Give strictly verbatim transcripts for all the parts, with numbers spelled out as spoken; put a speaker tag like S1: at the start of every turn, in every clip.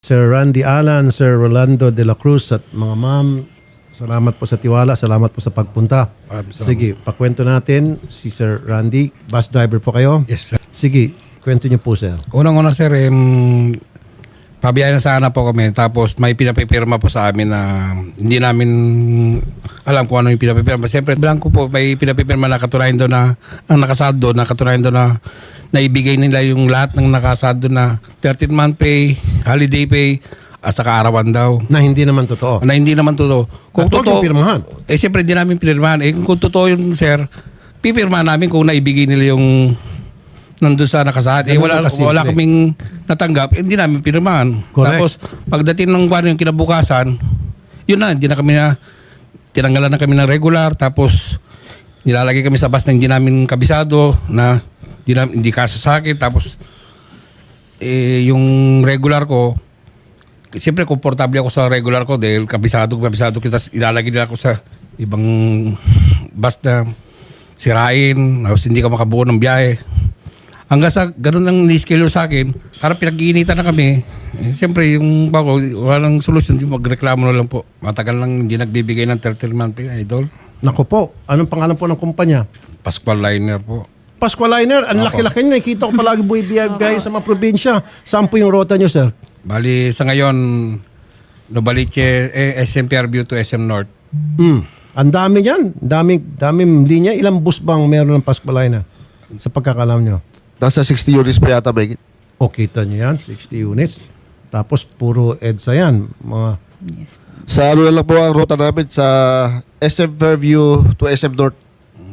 S1: Sir Randy Alan, Sir Rolando de la Cruz at mga ma'am, salamat po sa tiwala, salamat po sa pagpunta.
S2: Maraming salamat.
S1: Sige, pakwento natin si Sir Randy. Bus driver po kayo?
S2: Yes, sir.
S1: Sige, kwento niyo po, sir.
S2: Unang-una, sir, um, pabiyahe na sana po kami. Tapos may pinapipirma po sa amin na hindi namin alam kung ano yung pinapipirma. Siyempre, blanco po, may pinapipirma na katunayan doon na, ang nakasad doon, na katunayan doon na naibigay nila yung lahat ng nakasad doon na thirteen month pay, holiday pay, at saka arawan daw.
S1: Na hindi naman totoo.
S2: Na hindi naman totoo. Kung
S1: At huwag
S2: totoo,
S1: yung pirmahan.
S2: eh siyempre hindi namin pinirmahan. Eh kung totoo yun, sir, pipirmahan namin kung naibigay nila yung nandun sa nakasahad. Eh
S1: Ganun
S2: wala,
S1: lang kasimple.
S2: wala kaming natanggap, eh, hindi namin pinirmahan.
S1: Correct.
S2: Tapos pagdating ng kwan yung kinabukasan, yun na, hindi na kami na, tinanggalan na kami ng regular, tapos nilalagay kami sa bus na hindi namin kabisado, na hindi, na, hindi kasasakit, tapos eh, yung regular ko, siyempre komportable ako sa regular ko dahil kabisado, kabisado kita, ilalagay nila ako sa ibang bus na sirain, tapos hindi ka makabuo ng biyahe. Hanggang sa ganun ang ni-schedule sa akin, parang pinag-iinitan na kami. Eh, siyempre, yung bako, walang solusyon, magreklamo na lang po. Matagal lang hindi nagbibigay ng thirteen month pay, idol.
S1: Naku po, anong pangalan po ng kumpanya?
S2: Pascual Liner po.
S1: Pasqualiner, ang laki-laki niya. Nakita ko palagi buhay-biyay sa mga probinsya. Saan po yung rota niyo, sir?
S2: Bali, sa ngayon, Novaliche, eh, S M Fairview to S M North.
S1: Hmm. Ang dami niyan. Daming, daming linya. Ilang bus bang meron ng Pasqualiner? Sa pagkakalam niyo?
S3: Nasa sixty units pa yata, Meg.
S1: O, kita niyo yan, sixty units. Tapos puro EDSA yan. Mga,
S3: Sa ano na lang po ang ruta namin sa S M Fairview to S M North.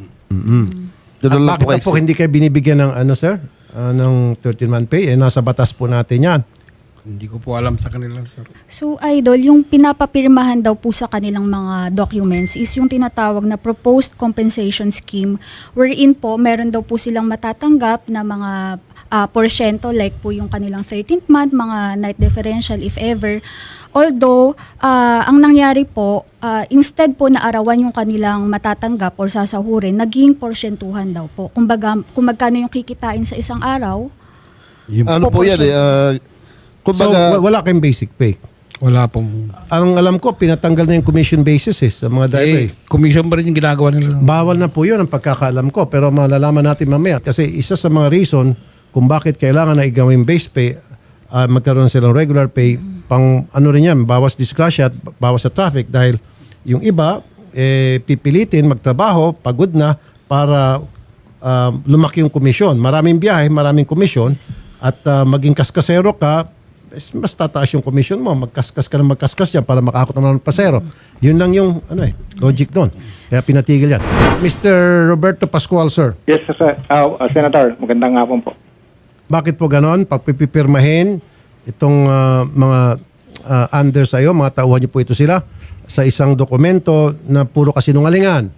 S1: mm
S3: Doon
S1: At
S3: na lang
S1: bakit
S3: po
S1: na po
S3: kayo.
S1: hindi kayo binibigyan ng ano, sir? Ah, ng thirteen month pay? Eh, nasa batas po natin yan.
S2: Hindi ko po alam sa kanila, sir.
S4: So, Idol, yung pinapapirmahan daw po sa kanilang mga documents is yung tinatawag na Proposed Compensation Scheme, wherein po meron daw po silang matatanggap na mga uh, porsyento like po yung kanilang thirteenth month, mga night differential if ever. Although, uh, ang nangyari po, uh, instead po na arawan yung kanilang matatanggap or sasahurin, naging porsyentuhan daw po. Kumbaga, kung magkano yung kikitain sa isang araw,
S2: Yung,
S3: Ano po yan eh. ah,
S1: So,
S3: kumbaga,
S1: wa- wala kayong basic pay.
S2: wala pong...
S1: Ang alam ko, pinatanggal na yung commission basis eh, sa mga driver.
S2: Eh, commission pa rin yung ginagawa nila.
S1: Bawal na po yun ang pagkakaalam ko. Pero malalaman natin mamaya. Kasi isa sa mga reason kung bakit kailangan na igawin base pay, uh, magkaroon silang regular pay, pang ano rin yan, bawas disgrasya at bawas sa traffic. Dahil yung iba, eh, pipilitin magtrabaho, pagod na, para uh, lumaki yung komisyon. Maraming biyahe, maraming komisyon. At uh, maging kaskasero ka, is mas tataas yung commission mo. Magkaskas ka na magkaskas yan para makakot naman ng pasero. Yun lang yung ano eh, logic doon. Kaya pinatigil yan. Mister Roberto Pascual, sir.
S5: Yes, sir. Uh, uh, Senator, magandang hapon po.
S1: Bakit po ganon? Pag pipipirmahin itong uh, mga uh, under sa'yo, mga tauhan niyo po ito sila, sa isang dokumento na puro kasinungalingan.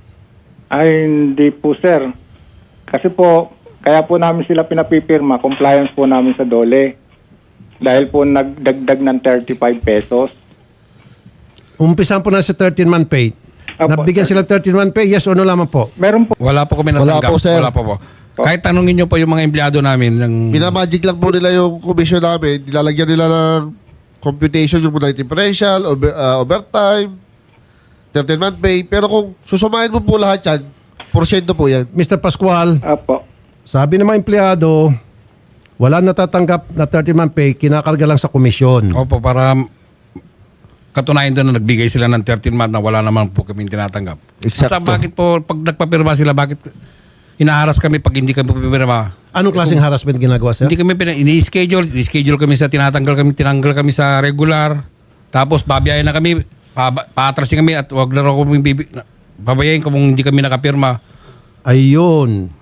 S5: Ay, hindi po, sir. Kasi po, kaya po namin sila pinapipirma, compliance po namin sa DOLE. Dahil po nagdagdag ng thirty-five pesos.
S1: Umpisan po na sa thirteen month pay.
S5: Apo,
S1: Nabigyan
S5: sir.
S1: sila thirteen month pay, yes o no lamang po?
S5: Meron po.
S2: Wala po kami
S3: Wala
S2: natanggap.
S3: po, sir.
S2: Wala po po. Kahit tanungin nyo po yung mga empleyado namin ng...
S3: minamagic lang po nila yung commission namin. Nilalagyan nila ng computation yung night differential, over, ah, overtime, thirteen month pay. Pero kung susumahin mo po lahat yan, porsyento po yan.
S1: Mister Pascual,
S5: Apo.
S1: sabi ng mga empleyado, wala natatanggap na thirteen month pay, kinakarga lang sa komisyon.
S2: Opo, para katunayan doon na nagbigay sila ng thirteen month na wala naman po kami tinatanggap.
S3: Eksakto.
S2: Sa bakit po, pag nagpapirma sila, bakit hinaharas kami pag hindi kami pipirma?
S1: Anong klaseng harassment ginagawa, sir?
S2: Hindi kami pina- ini-schedule, ini-schedule kami sa tinatanggal kami, tinanggal kami sa regular. Tapos babiyahin na kami, pa, paatrasin kami at wag na raw kami bibi, babayahin kung hindi kami nakapirma.
S1: Ayun.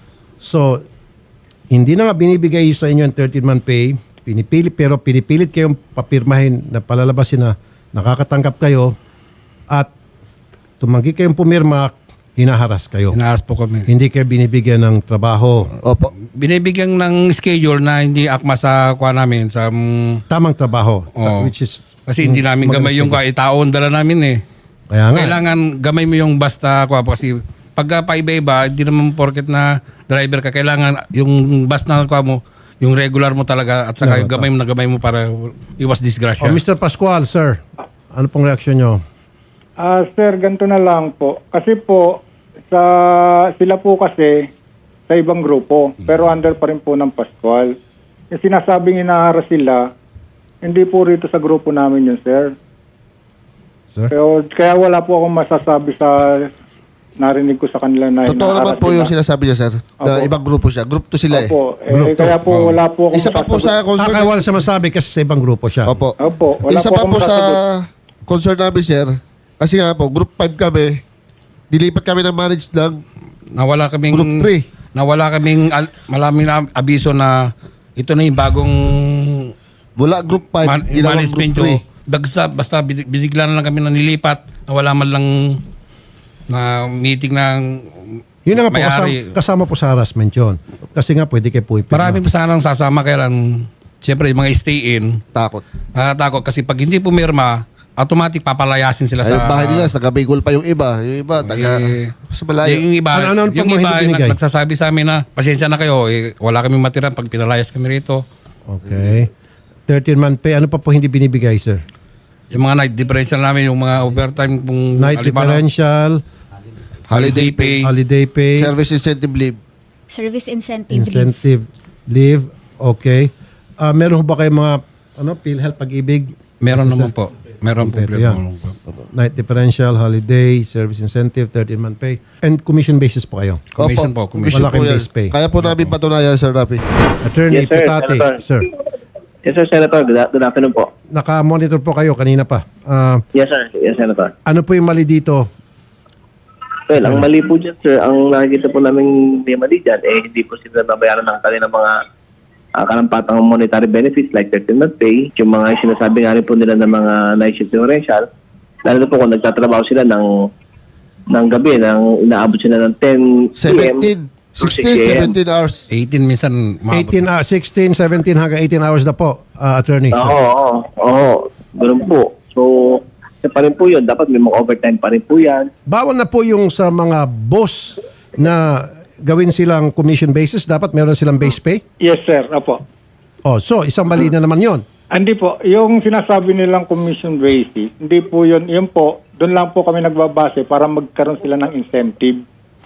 S1: So, hindi na nga binibigay sa inyo ang thirteen month pay, pinipilit, pero pinipilit kayong papirmahin na palalabasin na nakakatanggap kayo at tumanggi kayong pumirma, hinaharas kayo.
S2: Hinaharas po kami.
S1: Hindi kayo binibigyan ng trabaho.
S3: Opo.
S2: Binibigyan ng schedule na hindi akma sa kuha namin, sa... mm,
S1: Tamang trabaho.
S2: Oo.
S1: Which is...
S2: kasi hindi namin gamay yung kuha, itaon dala namin eh.
S1: Kaya nga.
S2: Kailangan gamay mo yung basta kuha po kasi pagka paiba-iba, hindi naman porket na driver ka, kailangan yung bus na kuha mo, yung regular mo talaga at saka
S1: No,
S2: yung gamay mo na gamay mo para iwas disgrasya.
S1: Oh, Mister Pascual, sir, ano pong reaksyon nyo?
S5: Ah, sir, ganito na lang po. Kasi po, sa sila po kasi sa ibang grupo, pero under pa rin po ng Pascual. Yung sinasabing inaharas sila, hindi po rito sa grupo namin yun, sir.
S1: Sir?
S5: Kaya, kaya wala po akong masasabi sa narinig ko sa kanila na
S3: Totoo naman
S5: inaharas
S3: po yung
S5: sila.
S3: sinasabi niya, sir. Na
S5: Opo.
S3: ibang grupo siya. Group to sila eh.
S5: Opo, eh,
S1: Group to.
S5: kaya po wala po akong
S3: Isa pa po sa
S5: masasagot.
S3: concern.
S1: Akala wala siya masabi kasi sa ibang grupo siya.
S3: Opo.
S5: Opo, wala
S3: Isa
S5: po
S3: pa
S5: akong
S3: po sa
S5: masasagot.
S3: concern namin, sir. Kasi nga po, group five kami. Dilipat kami ng manage ng
S2: Nawala kaming
S3: Group three.
S2: nawala kaming al- malaming na abiso na ito na yung bagong
S3: mula group five,
S2: man-
S3: ginawang
S2: management
S3: group three.
S2: yung dagsa basta bi- bisigla na lang kami na nilipat, nawala man lang na meeting ng
S1: Yun na nga po, kasama,
S2: may-ari.
S1: kasama po sa harassment yun. Kasi nga pwede kayo po ipirma.
S2: Marami pa sanang sasama kaya lang siyempre yung mga stay-in
S3: Takot.
S2: natatakot kasi pag hindi pumirma automatic papalayasin sila
S3: Ay,
S2: sa
S3: bahay nila, sa Bicol pa yung iba. Yung iba, taga,
S2: Eh,
S3: sa malayo.
S2: Yung iba,
S1: Ano- ano ang
S2: yung
S1: pag-
S2: iba
S1: hindi binigay?
S2: nag- nagsasabi sa amin na pasensya na kayo, eh, wala kaming matira pag pinalayas kami rito.
S1: Okay. thirteen-month pay. Ano pa po hindi binibigay, sir?
S2: Yung mga night differential namin, yung mga overtime kung
S1: Night
S2: halimbawa,
S1: differential,
S3: Holiday pay,
S1: holiday pay,
S3: service incentive leave.
S4: Service incentive leave.
S1: incentive leave. Okay. Ah, meron ho ba kayo mga ano, PhilHealth, Pag-ibig?
S2: Meron naman po. Meron po.
S1: Kompleto yan. Night differential, holiday, service incentive, thirteen-month pay. And commission basis po kayo.
S2: Commission
S3: Opo,
S2: po, commission.
S1: Malaking
S3: yan.
S1: base pay.
S3: Kaya po namin patunayan, Sir Rafi.
S1: Attorney
S6: Yes, sir,
S1: Pitate,
S6: Senator.
S1: sir.
S6: Yes, sir, Senator. Good, good afternoon po.
S1: Naka-monitor po kayo kanina pa. Ah,
S6: Yes, sir. Yes, Senator.
S1: ano po yung mali dito?
S6: Well, ang mali po dyan, sir, ang nakikita po namin may mali dyan, eh, hindi po sila nabayaran ng kanilang mga uh, karampatang monetary benefits like thirteen-month pay, yung mga sinasabi nga rin po nila ng mga night shift differential, lalo na po kung nagtatrabaho sila ng ng gabi, ng inaabot sila ng ten p.m.
S3: seventeen, sixteen, seventeen hours.
S2: eighteen minsan. umabot.
S1: eighteen, hours, sixteen, seventeen hanggang eighteen hours na po, ah, attorney.
S6: Oo, oo, oo. Ganun po. So, isa pa rin po yun. Dapat may mga overtime pa rin po yan.
S1: Bawal na po yung sa mga boss na gawin silang commission basis. Dapat meron silang base pay.
S5: Yes, sir. Opo.
S1: Oh, so isang mali na naman yon.
S5: Hindi po, yung sinasabi nilang commission basis, hindi po yun, yun po, doon lang po kami nagbabase para magkaroon sila ng incentive.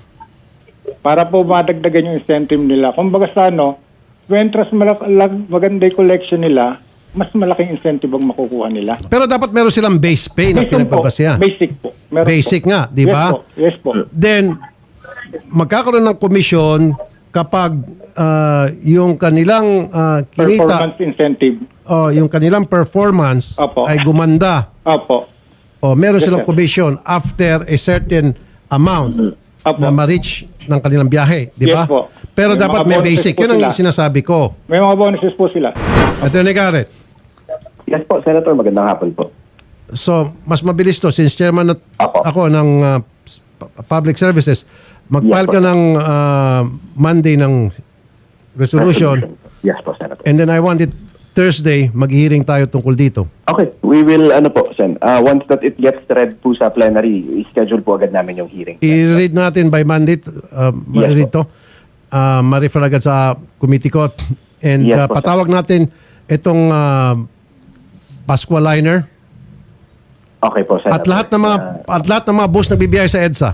S5: Para po madagdagan yung incentive nila. Kung baga sa ano, wentras malak- lag- maganda yung collection nila, mas malaking incentive ang makukuha nila.
S1: Pero dapat meron silang base pay na
S5: Basic po.
S1: pinagbabasehan.
S5: Basic po. Meron
S1: Basic
S5: po.
S1: nga, di ba?
S5: Yes po. Yes po.
S1: Then, magkakaroon ng commission kapag ah, yung kanilang ah, kinita,
S5: Performance incentive.
S1: oh, yung kanilang performance
S5: Opo.
S1: ay gumanda.
S5: Opo.
S1: O meron
S5: Yes,
S1: silang
S5: sir.
S1: commission after a certain amount
S5: Opo.
S1: na ma-reach ng kanilang biyahe, di ba?
S5: Yes po.
S1: Pero
S5: May
S1: dapat
S5: mga
S1: may
S5: bonuses
S1: basic.
S5: po
S1: Yun ang
S5: sila.
S1: sinasabi ko.
S5: May mga bonuses po sila.
S1: Attorney Garrett,
S6: Yes po, Senator. Magandang hapon po.
S1: so mas mabilis to since chairman na
S6: Apo.
S1: ako ng uh, pu- public services, mag-file
S6: Yes,
S1: ka
S6: po.
S1: ng uh, Monday ng resolution
S6: Yes po, Senator.
S1: and then I want it Thursday, mag-hearing tayo tungkol dito.
S7: Okay, we will, ano po, Sen, uh, once that it gets read po sa plenary, i-schedule po agad namin yung hearing.
S1: I-read natin by Monday, uh, ma-read to. Uh, ma-refer agad sa committee ko. And uh,
S7: Yes, po, sir.
S1: patawag natin itong uh, Pasqua Liner
S7: Okay po, Senator.
S1: at lahat ng mga
S7: Uh,
S1: at lahat ng mga bus na bibiyay sa EDSA.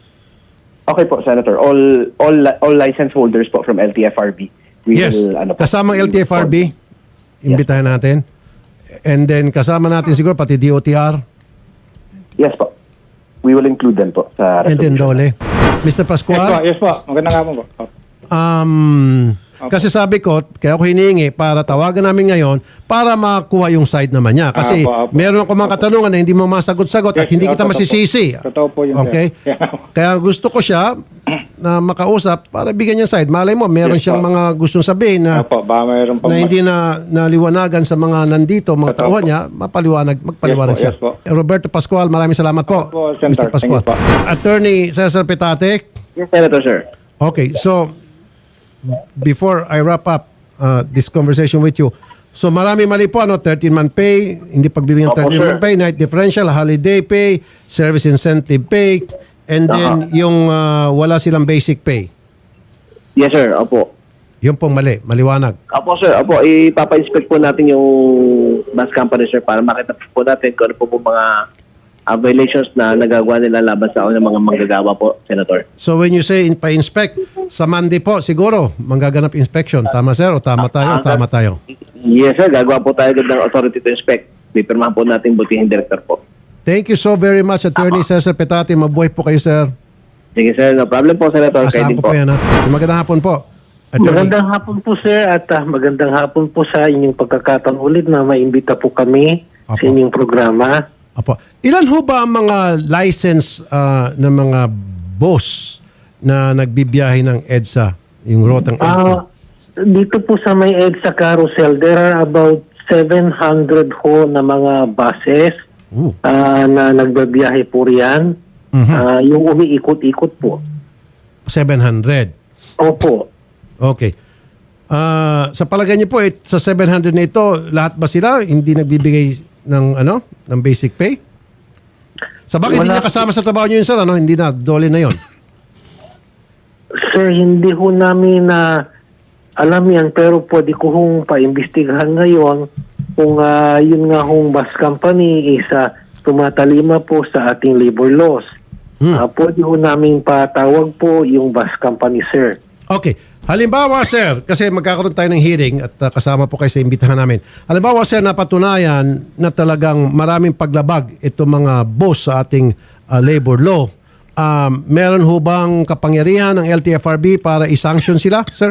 S7: okay po, Senator. All all li- all license holders po from L T F R B. We
S1: Yes.
S7: will, ano po,
S1: Kasamang L T F R B, imbitahan natin. And then kasama natin siguro pati D O T R
S7: Yes po. We will include them po sa
S1: and then
S7: resolution.
S1: Dole. Mister
S5: Yes po.
S1: Pascual,
S5: Yes po. Magandang hapon po. Opo.
S1: um, kasi sabi ko, kaya ako hinihingi para tawagan namin ngayon para makuha yung side naman niya. Kasi
S5: Apo, apo.
S1: meron ako mga katanungan na hindi mo masagot-sagot at
S5: Yes,
S1: hindi kita
S5: totoo po.
S1: masisisi.
S5: Totoo po yun, sir.
S1: Okay?
S5: Yeah.
S1: Kaya gusto ko siya na makausap para bigyan niya side. Malay mo, meron
S5: Yes,
S1: siyang
S5: po.
S1: mga gustong sabihin na
S5: Opo, baka mayroon pa
S1: na hindi na naliwanagan sa mga nandito, mga
S5: Totoo
S1: tauhan
S5: po.
S1: niya, mapaliwanag, magpaliwanag
S5: Yes po,
S1: siya.
S5: yes po.
S1: Roberto Pascual, maraming salamat po.
S5: Opo, Senator.
S1: Mister Pascual.
S5: Thank you po.
S1: Attorney Cesar Petate.
S6: Yes, Senator, sir.
S1: Okay, so before I wrap up uh, this conversation with you, so marami mali po, ano, thirteen-month pay, hindi pagbibigyan ng
S6: Opo,
S1: thirteen-month
S6: sir.
S1: pay, night differential, holiday pay, service incentive pay, and then yung uh, wala silang basic pay.
S6: Yes, sir. Opo.
S1: Yun pong mali, maliwanag.
S6: Opo sir, opo, ipapa-inspect po natin yung bus company sir para makita po natin kung ano po po mga uh, violations na nagagawa nila laban sa ng mga manggagawa po, Senator.
S1: So when you say in, pa-inspect, sa Monday po siguro manggaganap inspection. Tama sir o tama tayo o tama tayo?
S6: Yes sir, gagawa po tayo agad ng authority to inspect. Pipirmahan po natin butihing director po.
S1: Thank you so very much, Attorney Cesar Petate. Mabuhay po kayo, sir.
S6: Sige sir, no problem po, Senator. Kayo
S1: Asahan
S6: din
S1: ko po yan, ha? Magandang hapon po. Attorney.
S8: Magandang hapon po sir at ah, magandang hapon po sa inyong pagkakataon ulit na maimbita po kami
S1: Apo.
S8: sa inyong programa.
S1: Apo. Ilan ho ba ang mga license ah, ng mga boss na nagbibiyahe ng EDSA, yung rotang EDSA?
S8: Ah, dito po sa may EDSA Carousel, there are about seven hundred ho na mga buses
S1: Ooh.
S8: ah, na nagbabiyahe po riyan.
S1: Mhm.
S8: Ah, yung umiikot-ikot po.
S1: seven hundred.
S8: Opo.
S1: Okay. Ah, sa palagay niyo po, eh, sa seven hundred na ito, lahat ba sila hindi nagbibigay ng ano, ng basic pay? Sa bakit hindi
S8: Wala.
S1: niya kasama sa trabaho niyo yun, sir? Ano? Hindi na, dole na yon.
S8: Sir, hindi ho namin na alam yan pero pwede ko hong paimbestigahan ngayon kung ah, yun nga hong bus company is ah, tumatalima po sa ating labor laws.
S1: Hmm.
S8: Ah, pwede ho namin patawag po yung bus company, sir.
S1: Okay. Halimbawa, sir, kasi magkakaroon tayo ng hearing at uh, kasama po kayo sa imbitahan namin. Halimbawa, sir, napatunayan na talagang maraming paglabag itong mga boss sa ating uh, labor law. Um, meron ho bang kapangyarihan ng L T F R B para i-sanction sila, sir?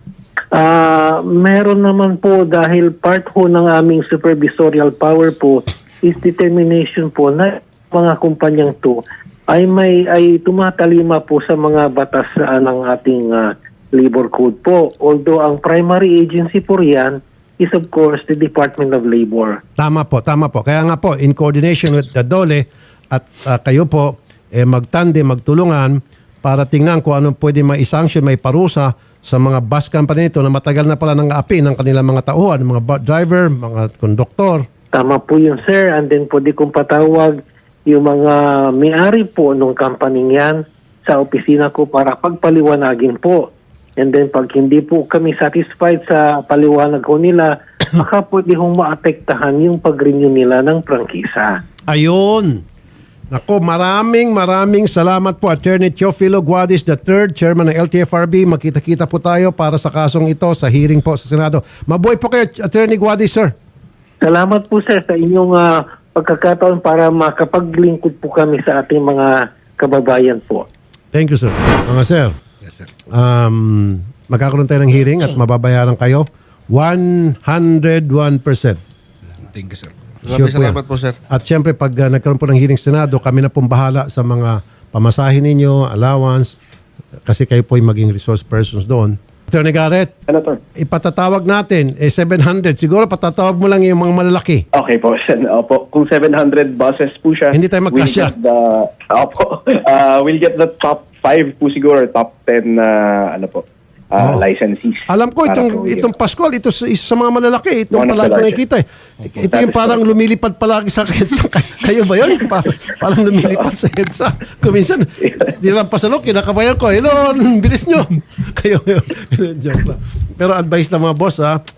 S8: Ah, meron naman po dahil part ho ng aming supervisorial power po is determination po na mga kumpanyang to ay may ay tumatalima po sa mga batas ah, ng ating ah, labor code po. Although ang primary agency po riyan is of course the Department of Labor.
S1: Tama po, tama po. Kaya nga po, in coordination with the DOLE at uh, kayo po, eh, magtande, magtulungan para tingnan kung anong pwede mai-sanction, may parusa sa mga bus company nito na matagal na pala ng api ng kanilang mga tauhan, mga bu- driver, mga konduktor.
S8: Tama po yun, sir. And then pwede kong patawag yung mga may-ari po nung company yan sa opisina ko para pagpaliwanagin po. And then pag hindi po kami satisfied sa paliwanag ko nila, baka pwede hong maapektahan yung pag-renew nila ng prangkisa.
S1: Ayun. Nako, maraming maraming salamat po Attorney Teofilo Guadis the third, Chairman ng L T F R B. Makita-kita po tayo para sa kasong ito sa hearing po sa Senado. Mabuhay po kayo, Attorney Guadis, sir.
S8: Salamat po, sir, sa inyong ah, pagkakataon para makapaglingkod po kami sa ating mga kababayan po.
S1: Thank you, sir. Mga sir,
S2: Yes, sir.
S1: um, magkakaroon tayo ng hearing at mababayaran kayo one hundred one percent.
S2: Thank you, sir.
S3: Maraming
S1: Sure po yan.
S3: salamat po, sir.
S1: At syempre, pag uh, nagkaroon po ng hearing sa Senado, kami na pong bahala sa mga pamasahin ninyo, allowance, kasi kayo po yung maging resource persons doon. Attorney Garrett,
S7: Senator.
S1: ipatatawag natin, eh seven hundred. Siguro patatawag mo lang yung mga malalaki.
S7: Okay po. Sen- Opo. Kung seven hundred buses po siya,
S1: Hindi tayo magkasya.
S7: We'll get the, opo, uh, we'll get the top five po siguro, top ten na ano po, uh,
S1: Oh.
S7: licensees.
S1: Alam ko,
S7: Para
S1: itong,
S7: po
S1: itong
S7: yun.
S1: Pascual, ito sa- isa sa mga malalaki. Itong
S7: One of
S1: palagi
S7: the
S1: ko
S7: largest.
S1: nakikita. Eh. Ito yung parang lumilipad palagi sa EDSA. Kayo ba yun? Pa- parang lumilipad sa EDSA. Kuminsan, di lang pasalok, kinakabayan ko. Hello, bilis nyo. Kayo yun. Joke lang. Pero advice ng mga boss, ha,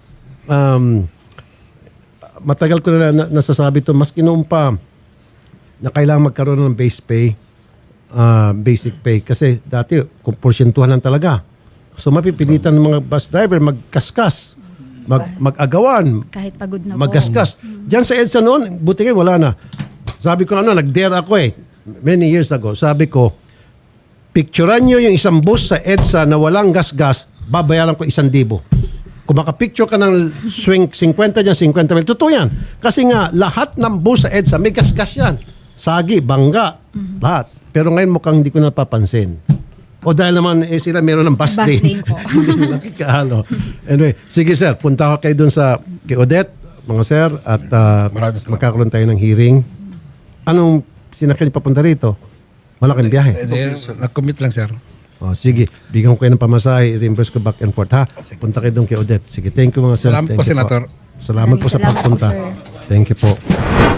S1: um, matagal ko na, na nasasabi to, mas noon pa na kailangan magkaroon ng base pay, ah, basic pay. Kasi dati, kung porsyentuhan lang talaga. So mapipilitan ng mga bus driver magkaskas, mag, mag-agawan,
S4: Kahit pagod na po.
S1: magkaskas. Diyan sa EDSA noon, buti kayo, wala na. Sabi ko ano, nag-dare ako eh, many years ago. Sabi ko, picturean nyo yung isang bus sa EDSA na walang gas-gas, babayaran ko isang libo. Kung makapicture ka ng swing fifty dyan, fifty mil, totoo yan. Kasi nga, lahat ng bus sa EDSA, may gas-gas yan. Sagi, bangga, lahat. Pero ngayon mukhang hindi ko napapansin. O dahil naman eh, sila meron ng bus,
S4: Bus
S1: lane.
S4: lane po.
S1: Hindi na nakikahalo. Anyway, sige sir, punta ko kayo dun sa kay Odette, mga sir, at uh,
S2: Maraming salamat.
S1: magkakaroon tayo ng hearing. Anong sinakyan papunta rito? Malaking biyahe.
S2: Eh, di, nag-commit lang, sir.
S1: O, sige, bigyan ko kayo ng pamasahe, reimburse ko back and forth, ha? Punta kayo doon kay Odette. Sige, thank you mga sir.
S2: Salamat
S1: Thank
S2: po,
S1: you
S2: Senator.
S1: Salamat po sa
S4: Maraming salamat po,
S1: pagpunta.
S4: sir.
S1: Thank you po.